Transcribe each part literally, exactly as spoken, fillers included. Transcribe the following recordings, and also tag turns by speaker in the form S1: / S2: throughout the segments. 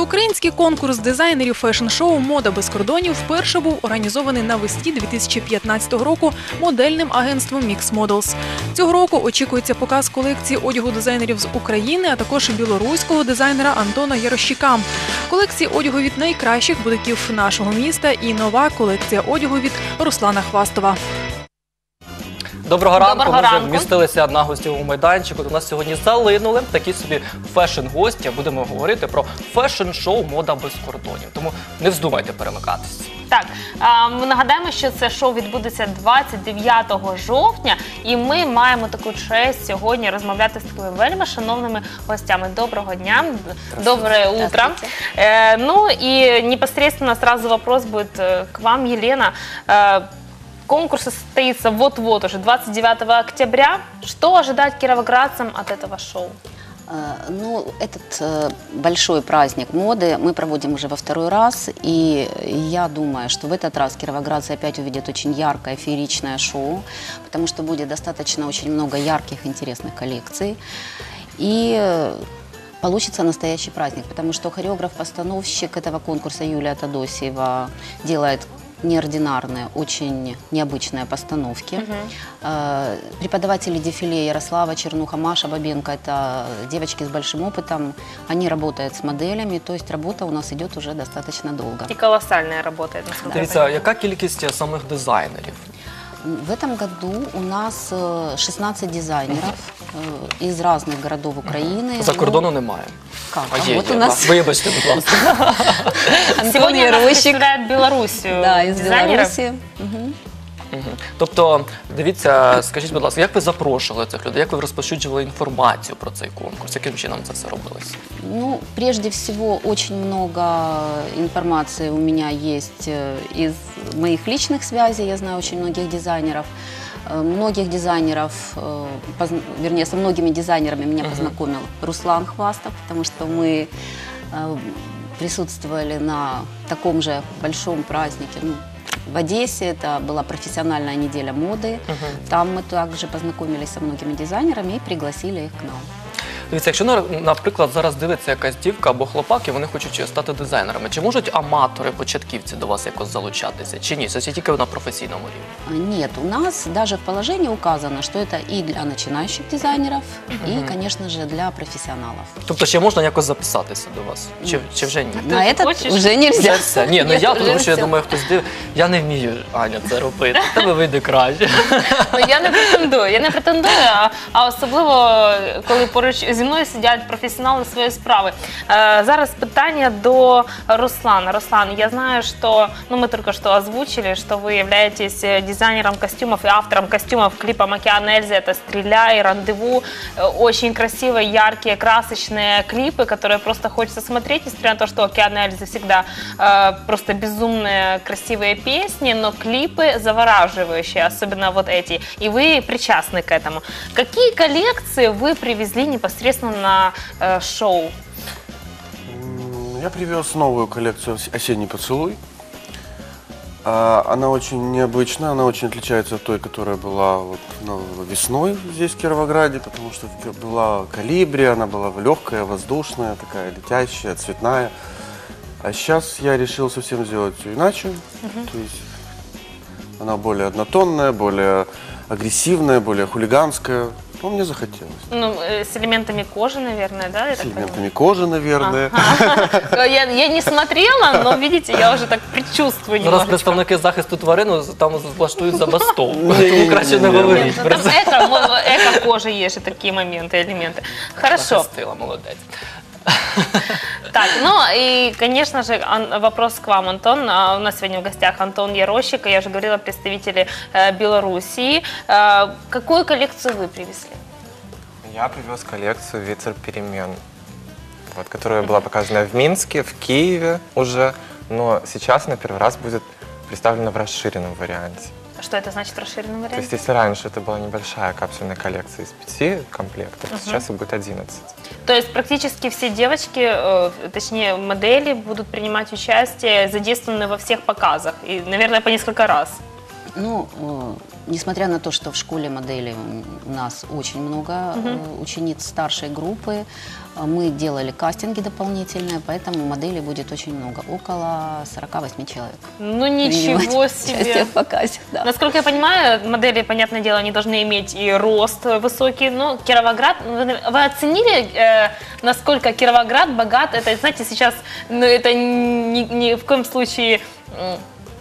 S1: Всеукраїнський конкурс дизайнерів фешн-шоу «Мода без кордонів» вперше був організований навесні дві тисячі п'ятнадцятого року модельним агентством Mix Models. Цього року очікується показ колекції одягу дизайнерів з України, а також білоруського дизайнера Антона Ярощика. Колекції одягу від найкращих бутиків нашого міста і нова колекція одягу від Руслана Хвастова.
S2: Доброго ранку,
S3: Доброго
S2: ми вже
S3: ранку.
S2: вмістилися на гостєвому майданчику. У нас сьогодні залинули такі собі фешн-гості. Будемо говорити про фешн-шоу «Мода без кордонів». Тому не вздумайте перемикатись.
S3: Так, а, ми нагадаємо, що це шоу відбудеться двадцять дев'ятого жовтня, і ми маємо таку честь сьогодні розмовляти з такими вельми шановними гостями. Доброго дня, доброе утро. Э, ну и непосредственно сразу вопрос будет э, к вам, Елена. Э, Конкурс состоится вот-вот уже, двадцать девятого октября. Что ожидать кировоградцам от этого шоу?
S4: Ну, этот э, большой праздник моды мы проводим уже во второй раз, и я думаю, что в этот раз кировоградцы опять увидят очень яркое, фееричное шоу, потому что будет достаточно очень много ярких, интересных коллекций, и э, получится настоящий праздник, потому что хореограф-постановщик этого конкурса Юлия Тодосиева делает неординарные, очень необычные постановки. Uh-huh. Преподаватели дефиле Ярослава Чернуха, Маша Бабенко, это девочки с большим опытом, они работают с моделями, то есть работа у нас идет уже достаточно долго.
S3: И колоссальная работа, насколько я
S2: Дивіться,
S3: понимаю.
S2: яка кількість самих дизайнерів?
S4: В этом году у нас шестнадцать дизайнеров э, из разных городов Украины.
S2: За кордону немає.
S4: Как?
S2: А
S4: А
S2: є,
S4: вот
S2: є.
S4: у нас
S2: Вибачте, будь ласка.
S3: Сегодня нас представляет Белоруссию.
S4: Да, из
S3: дизайнеров.
S4: Беларуси. Мгм.
S2: Мгм. Тобто, дивіться, скажіть, будь ласка, як ви запрошували цих людей, як ви розповсюджували інформацію про цей конкурс, яким чином це все робилося?
S4: Ну, прежде всего, очень много информации у меня есть э, из моих личных связей. Я знаю очень многих дизайнеров. Э, Многих дизайнеров, э, позна- вернее, со многими дизайнерами меня познакомил Руслан Хвастов, потому что мы э, присутствовали на таком же большом празднике. Ну, в Одессе это была профессиональная неделя моды. Там мы также познакомились со многими дизайнерами и пригласили их к нам.
S2: Дивіться, якщо, на- наприклад, зараз дивиться якась дівка або хлопак, і вони хочуть стати дизайнерами, чи можуть аматори, початківці до вас якось залучатися, чи ні? Це тільки на професійному рівні?
S4: Нет, у нас даже в положении указано, что это и для начинающих дизайнеров, и, конечно же, для профессионалов.
S2: Тобто ще можна якось записатися до вас? Чи, чи вже ні?
S4: На этот
S3: хочешь?
S4: уже
S2: Вже
S4: нельзя.
S2: все. Ні, ну
S4: Нет,
S2: я,
S4: уже
S2: тому що я
S4: всё.
S2: думаю, хтось див... Я не вмію, Аня, це робити. В тебе вийде краще.
S3: Ну, я не претендую, я не претендую, а, а особливо, коли поруч зі мною сидять професіонали своєї справи. Е, зараз питання до Руслана. Руслан, я знаю, что, ну, мы только что озвучили, что вы являетесь дизайнером костюмов и автором костюмов к клипам «Океан Эльзы». Это «Стреляй», «Рандеву». Э, Очень красивые, яркие, красочные клипы, которые просто хочется смотреть, несмотря на то, что «Океан Эльзы» всегда э, просто безумные, красивые песни, но клипы завораживающие, особенно вот эти. И вы причастны к этому. Какие коллекции вы привезли непосредственно на э, шоу?
S5: М, Я привез новую коллекцию «Ос- «Осенний поцелуй». А, Она очень необычная, она очень отличается от той, которая была вот, ну, весной здесь, в Кировограде, потому что в- была колибри, она была легкая, воздушная, такая летящая, цветная. А сейчас я решил совсем сделать ее иначе. То есть она более однотонная, более агрессивная, более хулиганская. Ну, мне захотелось.
S3: Ну, э, с элементами кожи, наверное, да? я
S5: С
S3: так
S5: элементами кожи, наверное.
S3: понимаю? Я, я не смотрела, но, видите, я уже так предчувствую
S2: Зараз
S3: немножечко.
S2: представники захисту тварин там влаштують забастовку. Тому краще не говоріть.
S3: Ну, там эко, мо- эко-кожа есть же такие моменты, элементы. Хорошо.
S2: Захистила, молодець.
S3: Так, ну и, конечно же, Ан- вопрос к вам, Антон. А, У нас сегодня в гостях Антон Ярощик, я уже говорила, представители э, Белоруссии. Э, Какую коллекцию вы привезли?
S6: Я привез коллекцию «Ветер перемен», вот, которая была показана в Минске, в Киеве уже, но сейчас она первый раз будет представлена в расширенном варианте.
S3: Что это значит в расширенном
S6: То есть
S3: варианте?
S6: если раньше это была небольшая капсульная коллекция из пяти комплектов, то сейчас их будет одиннадцать.
S3: То есть практически все девочки, э, точнее модели, будут принимать участие, задействованы во всех показах. И, наверное, по несколько раз.
S4: Ну, э, несмотря на то, что в школе модели у нас очень много э, учениц старшей группы, э, мы делали кастинги дополнительные, поэтому моделей будет очень много, около сорока восьми человек.
S3: Ну ничего
S4: принимать
S3: себе.
S4: участие в показе, да.
S3: Насколько я понимаю, модели, понятное дело, они должны иметь и рост высокий. Но Кировоград, вы, вы оценили, э, насколько Кировоград богат? Это, знаете, сейчас, ну, это ни, ни в коем случае м,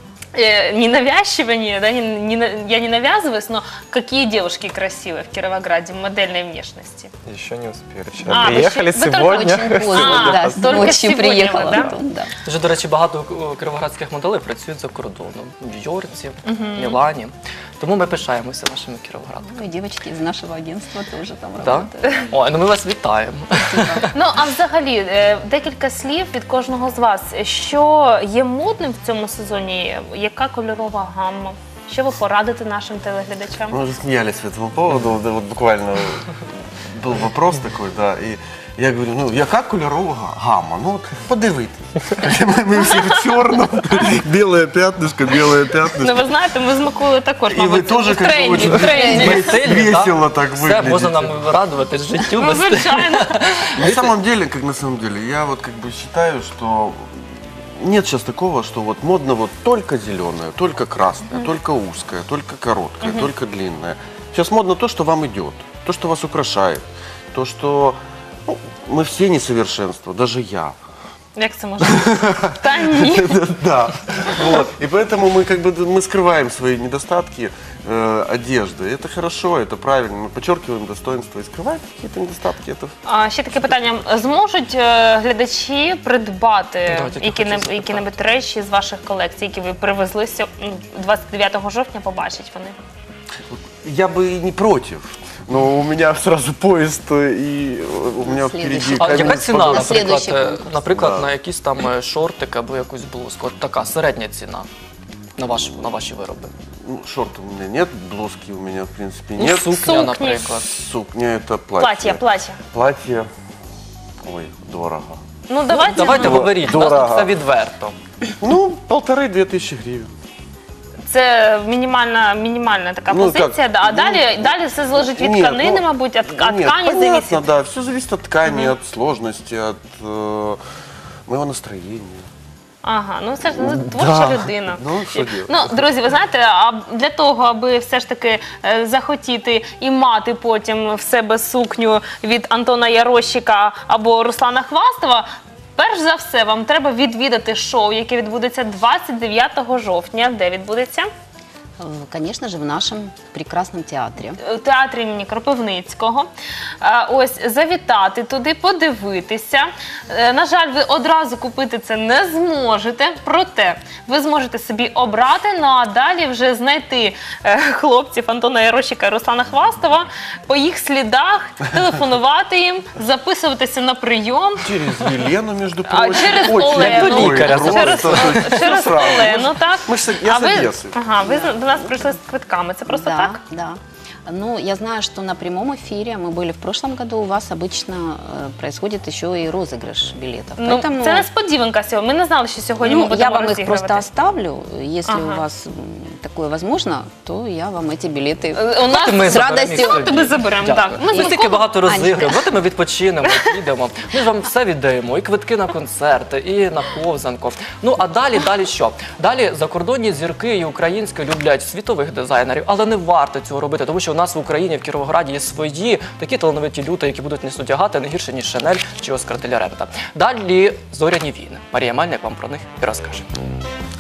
S3: э, не навязчивание, да, не, не, на- я не навязываюсь, но какие девушки красивые в Кировограде, модельной внешности.
S6: Еще не успели. Вчера
S3: А, вы
S6: приехали,
S3: еще- вы только
S6: сегодня.
S4: Очень поздно,
S3: А,
S4: да,
S3: только
S4: ночью
S3: сегодня
S4: приехала.
S3: вы, да?
S4: потом, да.
S2: Вже, до речі, багато е, кіровоградських моделей працюють за кордоном. В Нью-Йорці, Мілані. Тому ми пишаємося нашими кіровоградками.
S4: Ну и девочки из нашего агентства тоже там
S2: Так?
S4: работают.
S2: Ой, ну ми вас вітаємо.
S3: Ну, а взагалі, е, декілька слів від кожного з вас. Що є модним в цьому сезоні? Яка кольорова гамма? Що ви порадите нашим телеглядачам?
S5: Мы уже смеялись по этому поводу, вот, вот буквально был вопрос такой, да, и я говорю, ну, яка кольорова гамма? Ну, от подивитись. Ми, ми всі в чорному, біле п'ятнишко, біле
S3: Ну,
S5: п'ятнишко.
S3: ви знаєте, ми з Миколою також,
S5: І ви
S3: мабуть,
S5: теж
S3: в тренді,
S5: очень
S3: в тренді.
S2: Ми стильні,
S5: весело
S2: так?
S5: так
S2: Все,
S5: виглядите.
S2: можна нам радуватись життю.
S3: Ну,
S2: без стилю.
S3: звичайно.
S5: На самом деле, как на самом деле, я вот как бы считаю, что нет сейчас такого, что вот модно вот только зеленое, только красное, только узкое, только короткое, только длинное. Сейчас модно то, что вам идет, то, что вас украшает, то, что ну, мы все несовершенства, даже я.
S3: Як це може? Та ні.
S5: Да. Вот. И поэтому мы как бы мы скрываем свои недостатки э, одежды. Это хорошо, это правильно. Мы подчеркиваем достоинства и скрываем какие-то недостатки. Это
S3: А ще таке питання. Зможуть е, глядачі придбати
S2: Да, тільки
S3: які-небудь
S2: хотів
S3: які-небудь речі з ваших колекцій, які ви привезли сьо- м, двадцять дев'ятого жовтня, побачать вони?
S5: я бы и не против. Но у меня сразу поезд, и у меня
S4: Следующий.
S5: впереди
S2: А
S5: камень
S2: яка
S5: с
S2: ціна,
S5: подводой.
S4: На
S2: наприклад,
S4: слідуючий
S2: е,
S4: конкурс.
S2: наприклад,
S5: Да.
S2: на якісь там е, шортики або якусь блузку? От така середня ціна на ваші, на ваші вироби.
S5: Ну, шорты у меня нет, блузки у меня, в принципе,
S2: Ну,
S5: нет.
S2: сукня,
S3: Сукні.
S2: наприклад.
S5: Сукня это платье.
S3: Плаття, плаття.
S5: Платье, ой, дорого.
S3: Ну, давайте.
S2: Давайте
S5: Дорого.
S2: говоріть, у нас тут
S5: Дорого.
S2: все відверто.
S5: Ну, полторы-две тысячи гривен.
S3: Це мінімальна, мінімальна така
S5: Ну,
S3: позиція,
S5: так,
S3: да. а
S5: ну,
S3: далі, далі все залежить від
S5: Нет,
S3: тканини,
S5: ну,
S3: мабуть, від, від
S5: нет,
S3: ткані
S5: понятно,
S3: зависить.
S5: да, все зависит от ткани, от сложности, от э, моего настроения.
S3: Ага, ну все ж ну, творча
S5: Да.
S3: людина.
S5: Ну, що делать?
S3: Ну, друзі, ви знаєте, а для того, аби все ж таки е, захотіти і мати потім в себе сукню від Антона Ярощика або Руслана Хвастова, перш за все, вам треба відвідати шоу, яке відбудеться двадцять дев'ятого жовтня. Де відбудеться?
S4: Э, Конечно же, в нашем прекрасном театре.
S3: У театрі імені Кропивницького. Е, Ось завітати туди, подивитися. Е, На жаль, ви одразу купити це не зможете, проте ви зможете собі обрати, ну а далі вже знайти е, хлопців Антона Ярощика і Руслана Хвастова по їх слідах, телефонувати їм, записуватися на прийом.
S5: Через Елену, между
S3: А
S5: прочим.
S3: через
S5: Очень
S3: Олену,
S2: лікаря
S5: просто.
S3: через, через
S5: Сразу.
S3: Олену, так.
S5: Ми ж з- я
S3: А
S5: з
S3: ви,
S5: Одеси.
S3: ага, ви до нас прийшли з квитками, це просто
S4: Да,
S3: так?
S4: да. Ну, я знаю, что на прямом эфире, мы были в прошлом году, у вас обычно э, происходит еще и розыгрыш билетов.
S3: Ну,
S4: Поэтому
S3: це несподіванка сьогодні. Ми не знали, що сьогодні ми
S4: ну,
S3: будемо
S4: я вам их
S3: розігрувати.
S4: просто оставлю. Если
S3: Ага.
S4: у вас м, такое возможно, то я вам эти билеты...
S3: Е, У нас
S2: Ми
S4: з
S2: заберемо
S4: радістю.
S2: їх собі.
S3: Тебе заберемо,
S2: Дякую.
S3: так. Ми
S2: Ми
S3: з
S2: стільки
S3: Миколою-
S2: багато
S4: Анечка.
S2: розіграємо. Давайте ми відпочинемо, підемо. Ми ж вам все віддаємо, і квитки на концерти, і на ковзанку. Ну а далі, далі що? Далі закордонні зірки і українські люблять світових дизайнерів, але не варто цього робити, тому що у нас в Україні, в Кіровограді є свої такі талановиті люди, які будуть нас одягати не гірше, ніж Шанель чи Оскар де ля Рента. Далі зоряні війни. Марія Мельник вам про них і розкаже.